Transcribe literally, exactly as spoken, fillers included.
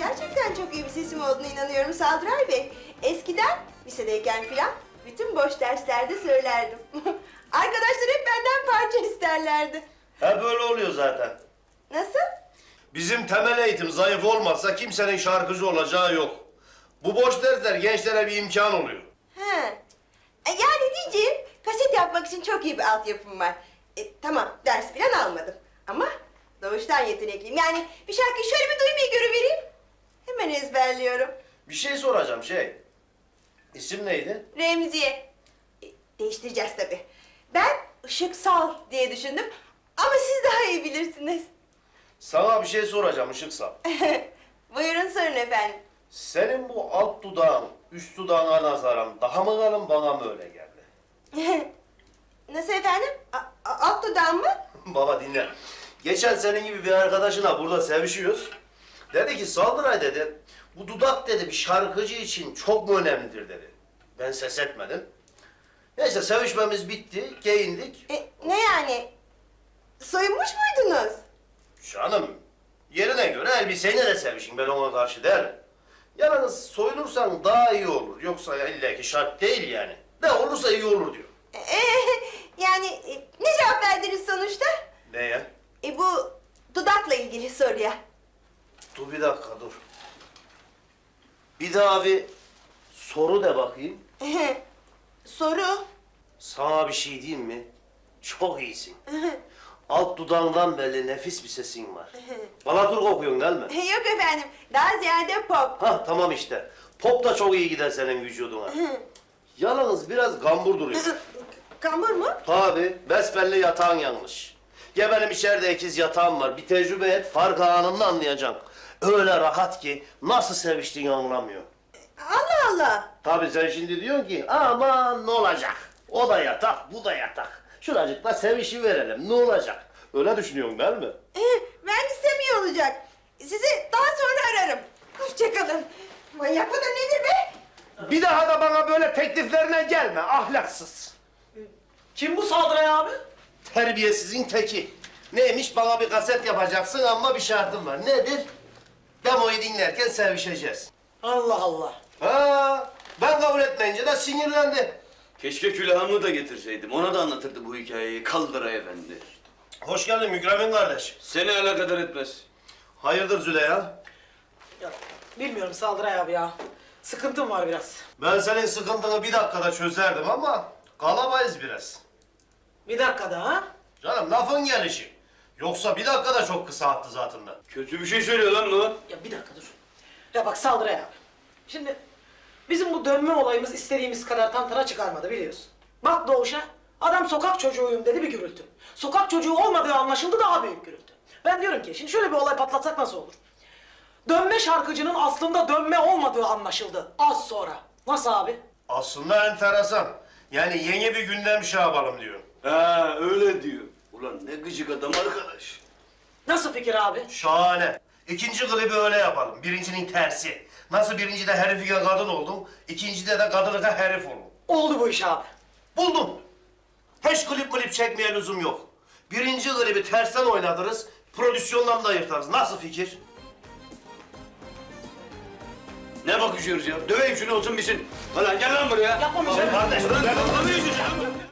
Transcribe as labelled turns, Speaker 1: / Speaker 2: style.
Speaker 1: gerçekten çok iyi bir sesim olduğuna inanıyorum Saldıray Bey. Eskiden lisedeyken filan bütün boş derslerde söylerdim. Arkadaşlar hep benden parça isterlerdi.
Speaker 2: Ha böyle oluyor zaten.
Speaker 1: Nasıl?
Speaker 2: Bizim temel eğitim zayıf olmazsa kimsenin şarkıcı olacağı yok. Bu boş dersler gençlere bir imkan oluyor.
Speaker 1: He. E, Yani diyeceğim, kaset yapmak için çok iyi bir altyapım var. E, tamam, ders falan almadım. Ama doğuştan yetenekliyim. Yani bir şarkıyı şöyle bir duymayı görüvereyim. Hemen ezberliyorum.
Speaker 2: Bir şey soracağım şey. İsim neydi?
Speaker 1: Remziye. E, değiştireceğiz tabii. Ben Işıksal diye düşündüm. Ama siz daha iyi bilirsiniz.
Speaker 2: Sana bir şey soracağım Işıksal.
Speaker 1: Buyurun sorun efendim.
Speaker 2: Senin bu alt dudağın üst dudağına nazaran daha mı kalın bana mı öyle geldi?
Speaker 1: Nasıl efendim? A- a- alt dudağım mı?
Speaker 2: Baba dinle. Geçen senin gibi bir arkadaşına burada sevişiyoruz. Dedi ki Saldıray dedi, bu dudak dedi bir şarkıcı için çok mu önemlidir dedi. Ben ses etmedim. Neyse sevişmemiz bitti, giyindik.
Speaker 1: E, ne yani? Soyunmuş muydunuz?
Speaker 2: Canım, yerine göre elbiseyle de sevişin, ben ona karşı değilim. Yalnız soyunursan daha iyi olur, yoksa ya illa ki şart değil yani. Ne olursa iyi olur diyor.
Speaker 1: E, yani e, ne cevap verdiniz sonuçta?
Speaker 2: Neye?
Speaker 1: E, bu dudakla ilgili soruya.
Speaker 2: Dur bir dakika dur. Bir daha bir soru de bakayım.
Speaker 1: Soru.
Speaker 2: Sana bir şey diyeyim mi? Çok iyisin. Alt dudağından belli nefis bir sesin var. Balatur kokuyorsun değil mi?
Speaker 1: Yok efendim, daha ziyade pop.
Speaker 2: Hah tamam işte. Pop da çok iyi gider senin vücuduna. Yalnız biraz gambur duruyor.
Speaker 1: Kambur mu?
Speaker 2: Tabi besbelli yatağın yanlış. Ya benim içeride ikiz yatağım var. Bir tecrübe et, farkı anında anlayacaksın. Öyle rahat ki nasıl seviştiğini anlamıyor.
Speaker 1: Allah Allah.
Speaker 2: Tabii sen şimdi diyorsun ki aman ne olacak? O da yatak, bu da yatak. Şuracıkla sevişi verelim ne olacak? Öyle düşünüyorsun değil mi?
Speaker 1: E, ben istemiyor olacak. Sizi daha sonra ararım. Hoşçakalın. Manyak mıdır nedir be?
Speaker 2: Bir daha da bana böyle tekliflerine gelme ahlaksız.
Speaker 3: Kim bu Saldıray abi?
Speaker 2: Terbiyesizin teki. Neymiş bana bir kaset yapacaksın ama bir şartım var. Nedir? Demoyu dinlerken sevişeceğiz.
Speaker 3: Allah Allah.
Speaker 2: Ha, ben kabul etmeyince de sinirlendi.
Speaker 4: Keşke külahımı da getirseydim. Ona da anlatırdı bu hikayeyi Kaldıray Efendi.
Speaker 2: Hoş geldin Mükremin kardeş.
Speaker 4: Seni alakadar etmez.
Speaker 2: Hayırdır Züleyha?
Speaker 3: Ya, bilmiyorum Saldıray abi ya. Sıkıntım var biraz.
Speaker 2: Ben senin sıkıntını bir dakikada çözerdim ama kalabayız biraz.
Speaker 3: Bir dakika daha ha?
Speaker 2: Canım lafın gelişi. Yoksa bir dakika da çok kısa attı zaten da.
Speaker 4: Kötü bir şey söylüyor lan bu.
Speaker 3: Ya bir dakika dur. Ya bak Saldıray abi. Şimdi bizim bu dönme olayımız istediğimiz kadar tantana çıkarmadı biliyorsun. Bak Doğuş'a adam sokak çocuğuyum dedi bir gürültü. Sokak çocuğu olmadığı anlaşıldı daha büyük gürültü. Ben diyorum ki şimdi şöyle bir olay patlatsak nasıl olur? Dönme şarkıcının aslında dönme olmadığı anlaşıldı az sonra. Nasıl abi?
Speaker 2: Aslında enteresan. Yani yeni bir gündem şey yapalım diyor.
Speaker 4: Ha öyle diyor. Ulan ne gıcık adam arkadaş.
Speaker 3: Nasıl fikir abi?
Speaker 2: Şahane. İkinci klibi öyle yapalım. Birincinin tersi. Nasıl birincide herifike kadın oldum, ikincide de kadınlıka herif oldum.
Speaker 3: Oldu bu iş abi.
Speaker 2: Buldum. Hiç klip klip çekmeye lüzum yok. Birinci klibi tersten oynatırız, prodüksiyondan da ayırtarız. Nasıl fikir?
Speaker 4: Ne bakışıyoruz ya? Döveyim şunu olsun bitsin. Ulan gel lan buraya.
Speaker 3: Yapmamayacağım.
Speaker 2: Kardeş,
Speaker 4: Ulan kafamı yüzeceğim.